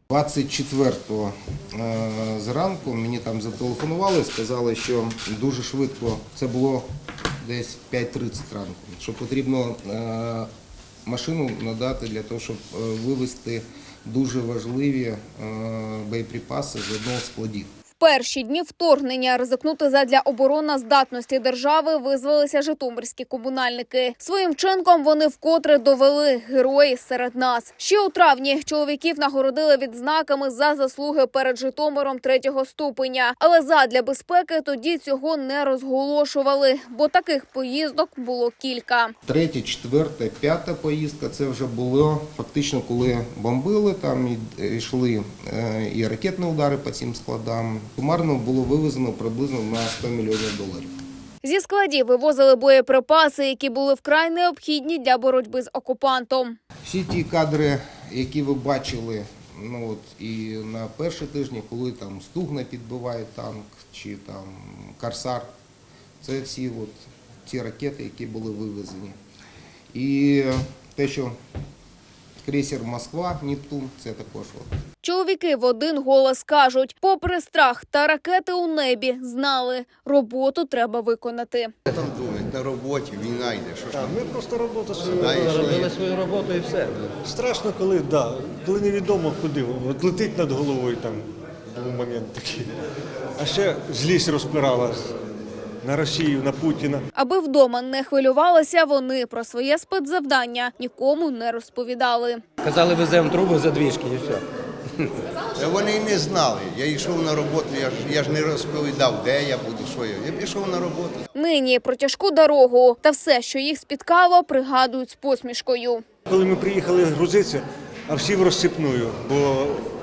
24-го зранку мені там зателефонували, сказали, що дуже швидко, це було десь 5:30 ранку, що потрібно машину надати для того, щоб вивезти дуже важливі боєприпаси з одного з складів. В перші дні вторгнення ризикнути задля обороноздатності держави визвалися житомирські комунальники. Своїм вчинком вони вкотре довели – герої серед нас. Ще у травні чоловіків нагородили відзнаками за заслуги перед Житомиром 3-го ступеня. Але задля безпеки тоді цього не розголошували, бо таких поїздок було кілька. 3-я, 4-та, 5-та поїздка – це вже було фактично, коли бомбили, там йшли і ракетні удари по цим складам. Сумарно було вивезено приблизно на $100 мільйонів. Зі складів вивозили боєприпаси, які були вкрай необхідні для боротьби з окупантом. Всі ті кадри, які ви бачили і на перші тижні, коли там Стугна підбиває танк чи там Корсар, це всі ті ракети, які були вивезені. І те, що крейсер «Москва», «Нептун» – це також. Чоловіки в один голос кажуть, попри страх та ракети у небі, знали – роботу треба виконати. Там думають, на роботі, війна йде. Ми просто роботу робили свою роботу і все. Страшно, коли невідомо куди. От летить над головою, там був момент такий. А ще злість розпирала на Росію, на Путіна. Аби вдома не хвилювалися, вони про своє спецзавдання нікому не розповідали. Казали, веземо труби за двіжки і все. Вони і не знали. Я йшов на роботу, я ж не розповідав, де я буду, що я. Я пішов на роботу. Нині про тяжку дорогу та все, що їх спіткало, пригадують з посмішкою. Коли ми приїхали грузитися, а всі в розсипную, бо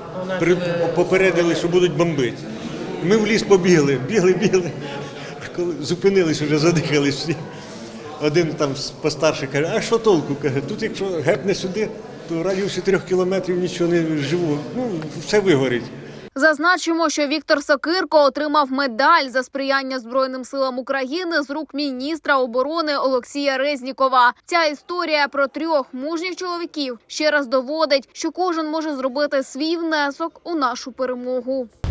попередили, що будуть бомбити. Ми в ліс побігли, бігли. Коли зупинились, вже задихались всі. Один там постарший каже, а що толку? Каже, тут якщо гепне сюди, то в радіусі 3 кілометрів нічого не живу, все вигорить. Зазначимо, що Віктор Сокирко отримав медаль за сприяння Збройним силам України з рук міністра оборони Олексія Резнікова. Ця історія про 3 мужніх чоловіків ще раз доводить, що кожен може зробити свій внесок у нашу перемогу.